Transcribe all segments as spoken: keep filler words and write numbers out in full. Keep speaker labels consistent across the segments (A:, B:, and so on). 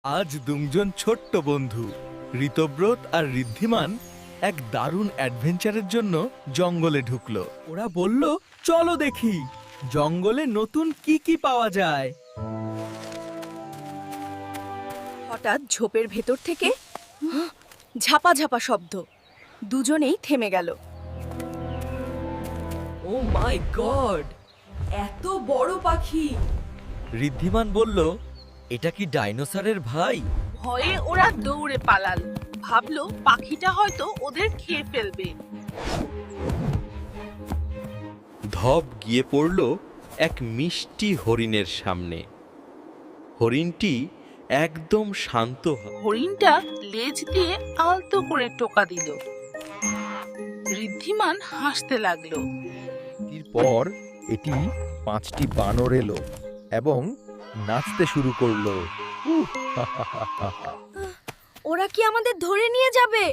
A: আজ দুজন ছোট্ট বন্ধু ঋতব্রত আর ঋদ্ধিমান এক দারুণ অ্যাডভেঞ্চারের জন্য জঙ্গলে ঢুকলো। ওরা বলল, চলো দেখি জঙ্গলে নতুন কি কি পাওয়া যায়।
B: হঠাৎ ঝোপের ভেতর থেকে ঝাপা ঝাপা শব্দ। দুজনেই থেমে গেল। ও মাই গড, এত বড় পাখি!
A: ঋদ্ধিমান বলল, এটা কি ডাইনোসরের ভাই?
C: ভয়ে ওরা দৌড়ে পালাল, ভাবলো পাখিটা হয়তো ওদের খেয়ে ফেলবে।
D: ধপ গিয়ে পড়ল এক মিষ্টি হরিণের সামনে। হরিণটি একদম শান্ত।
C: হরিণটা লেজ দিয়ে আলতো করে টোকা দিল। ঋদ্ধিমান হাসতে লাগলো।
E: এরপর এটি পাঁচটি বানর এলো এবং নাচতে শুরু করলো। উহ, হা, হা, হা, হা, হা।
B: ওরা কি আমাদের ধরে নিয়ে যাবে?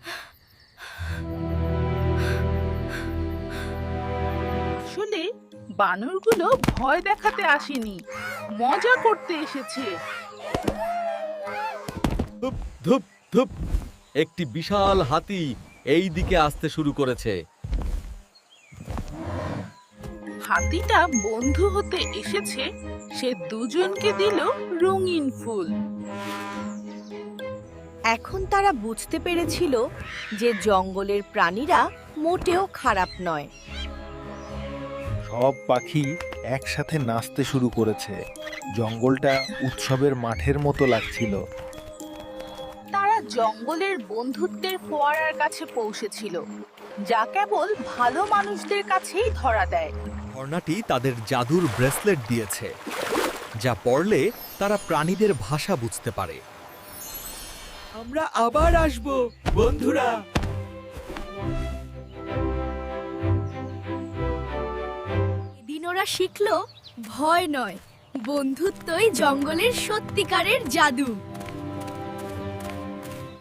C: আসলে বানরগুলো ভয় দেখাতে আসেনি, মজা করতে এসেছে।
A: ধুপ ধুপ ধুপ, একটি বিশাল হাতি এই দিকে আসতে শুরু করেছে।
C: হাতিটা বন্ধু হতে এসেছে, সে দুজনকে দিল রঙিন ফুল।
B: এখন তারা বুঝতে পেরেছিল যে জঙ্গলের প্রাণীরা মোটেও খারাপ নয়।
E: সব পাখি একসাথে নাচতে শুরু করেছে। জঙ্গলটা উৎসবের মাঠের মতো লাগছিল।
C: তারা জঙ্গলের বন্ধুত্বের ফোয়ারার কাছে পৌঁছেছিল, যা কেবল ভালো মানুষদের কাছেই ধরা দেয়।
A: ঝর্ণাটি তাদের জাদুর ব্রেসলেট দিয়েছে, যা পড়লে তারা প্রাণীদের ভাষা বুঝতে পারে। আমরা আবার আসব বন্ধুরা।
B: এদিন ওরা শিখলো, ভয় নয়, বন্ধুত্বই জঙ্গলের সত্যিকারের জাদু।